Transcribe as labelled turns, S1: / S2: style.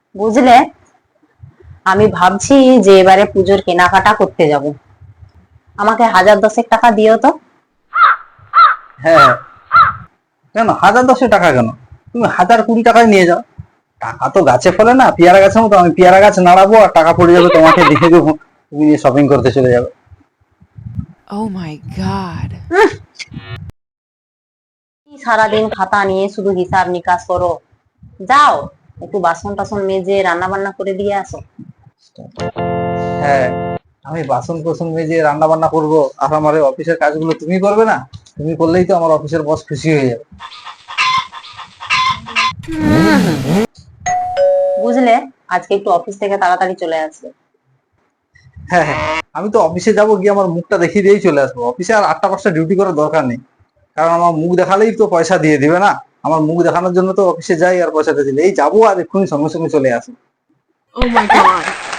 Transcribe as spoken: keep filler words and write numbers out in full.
S1: বুঝলে, আমি ভাবছি যে এবারে পুজোর কেনাকাটা করতে যাব। আমাকে হাজার দশেক টাকা দিও তো।
S2: হ্যাঁ, কেন হাজার দশে টাকা কেন? তুমি হাজার কুড়ি টাকায় নিয়ে যাও। টাকা তো গাছে ফলে না, পেয়ারা গাছের মতো। আমি পেয়ারা গাছ নাড়াবো আর টাকা পড়ে যাবে, তোমাকে দিয়ে দেবো, তুমি শপিং করতে চলে যাবে।
S3: Oh my god.
S1: উহ, কি সারাদিন খাতা নিয়ে শুধু হিসাব নিকাশ করো। যাও, একটু বাসন টাসন মেজে রান্না বান্না করে দিয়ে আসো।
S2: হ্যাঁ, আমি বাসন কোসন মেজে রান্না বান্না করবো, আর আমার এই অফিসের কাজগুলো তুমি করবে না? তুমি করলেই তো আমার অফিসের বস খুশি হয়ে যাবে।
S1: বুঝলে, আজকে একটু অফিস থেকে তাড়াতাড়ি চলে আসবে।
S2: হ্যাঁ হ্যাঁ, আমি তো অফিসে যাবো, গিয়ে আমার মুখটা দেখিয়ে দিয়েই চলে আসবো। অফিসে আর আটটা পাঁচটা ডিউটি করার দরকার নেই, কারণ আমার মুখ দেখালেই তো পয়সা দিয়ে দিবে না। আমার মুখ দেখানোর জন্য তো অফিসে যাই আর পয়সাটা দিলে, এই যাবো আর এক্ষুনি সঙ্গে সঙ্গে চলে আসি।
S3: Oh my god.